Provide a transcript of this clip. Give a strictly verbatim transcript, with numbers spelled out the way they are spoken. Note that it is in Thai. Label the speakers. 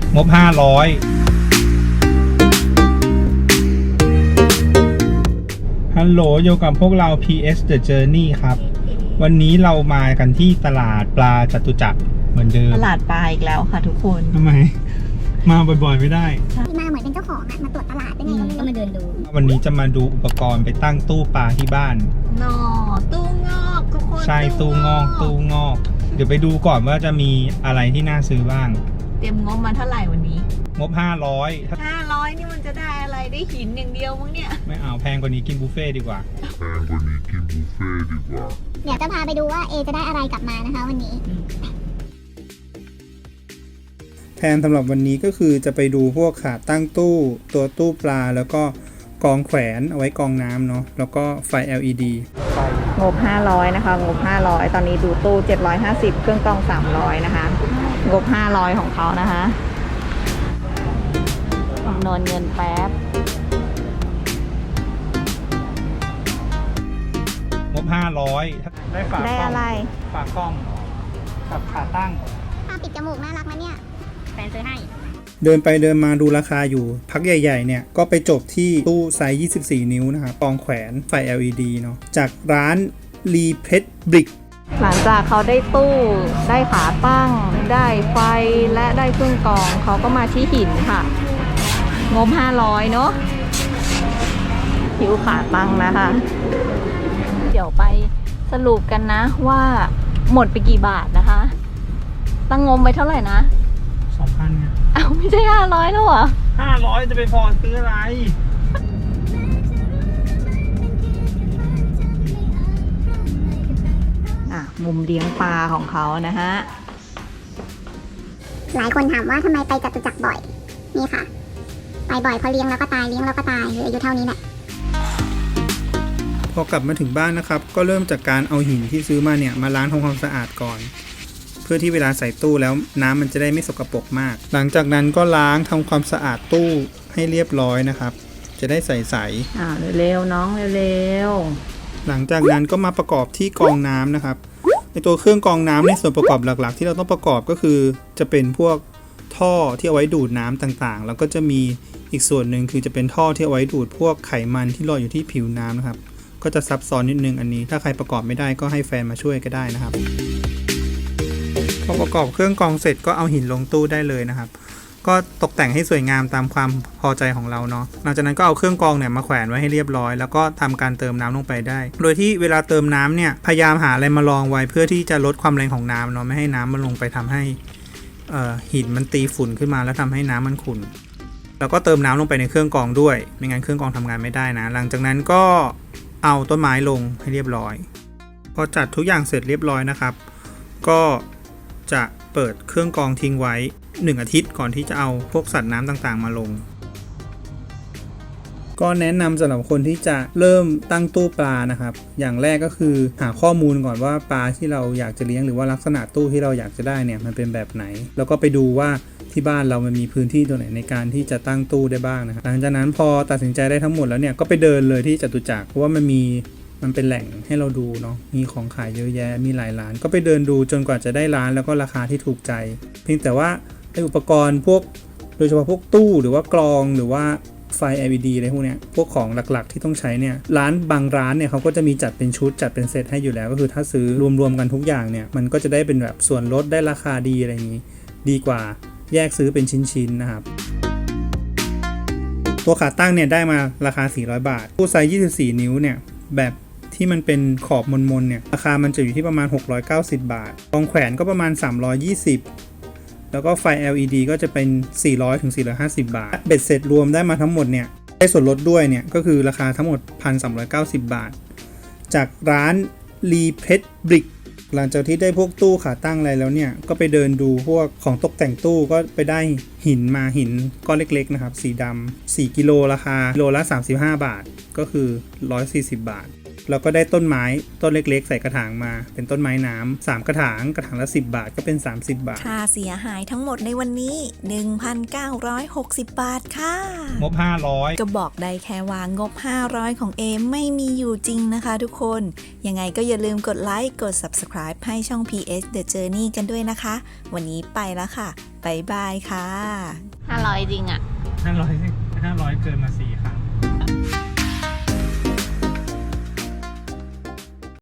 Speaker 1: งบห้าร้อยฮัลโหลอยู่กับพวกเรา พี เอส The Journey ครับวันนี้เรามากันที่ตลาดปลาจตุจักรเหมือนเดิม
Speaker 2: ตลาดปลาอีกแล้วค่ะทุกคน
Speaker 1: ทำไมมาบ่อยๆไม่ได้
Speaker 3: มาเหมือนเป็นเจ้าของอะมาตรวจตลาดได้ไงก็มาเดินดู
Speaker 1: วันนี้จะมาดูอุปกรณ์ไปตั้งตู้ปลาที่บ้าน
Speaker 2: นอตู้งอกทุกคน
Speaker 1: ใช่ตู้งอกตู้งอกเดี๋ยวไปดูก่อนว่าจะมีอะไรที่น่าซื้อบ้าง
Speaker 2: เตรียมงบมาเท่าไหร่วันนี้
Speaker 1: งบห้าร้อย
Speaker 2: ห้าร้อยนี่มันจะได้อะไรได้หินอย่างเดียวมั้งเนี่ย
Speaker 1: ไม่เอาแพงกว่านี้กินบุฟเฟ่ดีกว่า
Speaker 3: แพงกว่านี้กินบุฟเฟ่ดีกว่าเดี๋ยวจะพาไปดูว่าเอจะได้อะไรกลับมานะคะวันนี้
Speaker 1: แผนสำหรับวันนี้ก็คือจะไปดูพวกขาตั้งตู้ตัวตู้ปลาแล้วก็กองแขวนเอาไว้กองน้ำเนาะแล้วก็ไฟ แอล อี ดี
Speaker 2: งบห้าร้อยนะคะงบห้าร้อยตอนนี้ดูตู้เจ็ดร้อยห้าสิบเครื่องกรองสามร้อยนะคะงบห้าร้อยของเขานะคะคำนวณเงินแป๊บ
Speaker 1: งบห้าร้อยได้ฝาก
Speaker 2: ได้อะไร
Speaker 1: ฝากกล้องกับขาตั้ง
Speaker 3: ผ้าปิดจมูกน่ารักนะเนี่ยแฟนซื้อให้
Speaker 1: เดินไปเดินมาดูราคาอยู่พักใหญ่ๆเนี่ยก็ไปจบที่ตู้ไซส์ยี่สิบสี่นิ้วนะครับกองแขวนไฟ แอล อี ดี เนาะจากร้านรีเพชรบริก
Speaker 2: หลังจากเขาได้ตู้ได้ขาตั้งได้ไฟและได้เครื่องกรองเขาก็มาที่หินค่ะงบห้าร้อยเนาะหิวขาตั้งนะคะเดี๋ยวไปสรุปกันนะว่าหมดไปกี่บาทนะคะตั้งงบไปเท่าไหร่นะ
Speaker 1: สองพัน เนี่ย
Speaker 2: อ้าวไม่ใช่ห้าร้อยแล้วเหรอ
Speaker 1: ห้าร้อยจะไปพอซื้ออะไร
Speaker 2: อ่ะมุมเลี้ยงปลาของเขานะฮะ
Speaker 3: หลายคนถามว่าทำไมไปจตุจักรบ่อยนี่ค่ะไปบ่อยเพราะเลี้ยงแล้วก็ตายเลี้ยงแล้วก็ตายคืออายุเท่านี้แหละ
Speaker 1: พอกลับมาถึงบ้านนะครับก็เริ่มจากการเอาหินที่ซื้อมาเนี่ยมาล้างทำความสะอาดก่อนเพื่อที่เวลาใส่ตู้แล้วน้ำมันจะได้ไม่สกปรกมากหลังจากนั้นก็ล้างทำความสะอาดตู้ให้เรียบร้อยนะครับจะได้ใสๆ
Speaker 2: อ่าเร็วๆน้องเร็ว
Speaker 1: ๆหลังจากนั้นก็มาประกอบที่กรองน้ำนะครับในตัวเครื่องกรองน้ำในส่วนประกอบหลักๆที่เราต้องประกอบก็คือจะเป็นพวกท่อที่เอาไว้ดูดน้ำต่างๆแล้วก็จะมีอีกส่วนหนึ่งคือจะเป็นท่อที่เอาไว้ดูดพวกไขมันที่ลอยอยู่ที่ผิวน้ำนะครับก็จะซับซ้อนนิดนึงอันนี้ถ้าใครประกอบไม่ได้ก็ให้แฟนมาช่วยก็ได้นะครับพอประกอบเครื่องกรองเสร็จก็เอาหินลงตู้ได้เลยนะครับก็ตกแต่งให้สวยงามตามความพอใจของเราเนาะหลังจากนั้นก็เอาเครื่องกรองเนี่ยมาแขวนไว้ให้เรียบร้อยแล้วก็ทำการเติมน้ำลงไปได้โดยที่เวลาเติมน้ำเนี่ยพยายามหาอะไรมารองไว้เพื่อที่จะลดความแรงของน้ำเนาะไม่ให้น้ำมันลงไปทำให้หินมันตีฝุ่นขึ้นมาแล้วทำให้น้ำมันขุ่นแล้วก็เติมน้ำลงไปในเครื่องกรองด้วยไม่งั้นเครื่องกรองทำงานไม่ได้นะหลังจากนั้นก็เอาต้นไม้ลงให้เรียบร้อยพอจัดทุกอย่างเสร็จเรียบร้อยนะครับก็จะเปิดเครื่องกรองทิ้งไว้หนึ่งอาทิตย์ก่อนที่จะเอาพวกสัตว์น้ำต่างๆมาลงก็แนะนำสำหรับคนที่จะเริ่มตั้งตู้ปลานะครับอย่างแรกก็คือหาข้อมูลก่อนว่าปลาที่เราอยากจะเลี้ยงหรือว่าลักษณะตู้ที่เราอยากจะได้เนี่ยมันเป็นแบบไหนแล้วก็ไปดูว่าที่บ้านเรามันมีพื้นที่ตัวไหนในการที่จะตั้งตู้ได้บ้างนะครับหลังจากนั้นพอตัดสินใจได้ทั้งหมดแล้วเนี่ยก็ไปเดินเลยที่จตุจักรเพราะว่ามันมีมันเป็นแหล่งให้เราดูเนาะมีของขายเยอะแยะมีหลายร้านก็ไปเดินดูจนกว่าจะได้ร้านแล้วก็ราคาที่ถูกใจเพียงแต่ว่าไออุปกรณ์พวกโดยเฉพาะพวกตู้หรือว่ากรองหรือว่าไฟ แอล อี ดี อะไรพวกเนี้ยพวกของหลักๆที่ต้องใช้เนี่ยร้านบางร้านเนี่ยเขาก็จะมีจัดเป็นชุดจัดเป็นเซตให้อยู่แล้วก็คือถ้าซื้อรวมๆกันทุกอย่างเนี่ยมันก็จะได้เป็นแบบส่วนลดได้ราคาดีอะไรอย่างนี้ดีกว่าแยกซื้อเป็นชิ้นๆนะครับตัวขาตั้งเนี่ยได้มาราคาสี่ร้อยบาทตู้ไซส์ยี่สิบสี่นิ้วเนี่ยแบบที่มันเป็นขอบมนๆเนี่ยราคามันจะอยู่ที่ประมาณหกร้อยเก้าสิบบาทกองแขวนก็ประมาณสามร้อยยี่สิบแล้วก็ไฟ แอล อี ดี ก็จะเป็นสี่ร้อยถึงสี่ร้อยห้าสิบบาทเบ็ดเสร็จรวมได้มาทั้งหมดเนี่ยได้ส่วนลดด้วยเนี่ยก็คือราคาทั้งหมด หนึ่งพันสามร้อยเก้าสิบบาทจากร้านรีเพชรบริกหลังจากที่ได้พวกตู้ขาตั้งอะไรแล้วเนี่ยก็ไปเดินดูพวกของตกแต่งตู้ก็ไปได้หินมาหินก้อนเล็กๆนะครับสีดำสี่กิโลราคากิโลละสามสิบห้าบาทก็คือหนึ่งร้อยสี่สิบบาทแล้วก็ได้ต้นไม้ต้นเล็กๆใส่กระถางมาเป็นต้นไม้น้ำสามกระถางกระถางละสิบบาทก็เป็นสามสิบบาท
Speaker 4: ค่าเสียหายทั้งหมดในวันนี้ หนึ่งพันเก้าร้อยหกสิบ บาทค่ะ
Speaker 1: งบห้าร้อย
Speaker 4: ก็บอกได้แค่ว่างบห้าร้อยของเอมไม่มีอยู่จริงนะคะทุกคนยังไงก็อย่าลืมกดไลค์กด ซับสไครบ์ ให้ช่อง พี เอส The Journey กันด้วยนะคะวันนี้ไปแล้วค่ะบ๊ายบายค่ะ
Speaker 2: ห้าร้อยจริงอ่ะ
Speaker 1: ห้าร้อยห้าร้อยเกินมาสี่ครั้ง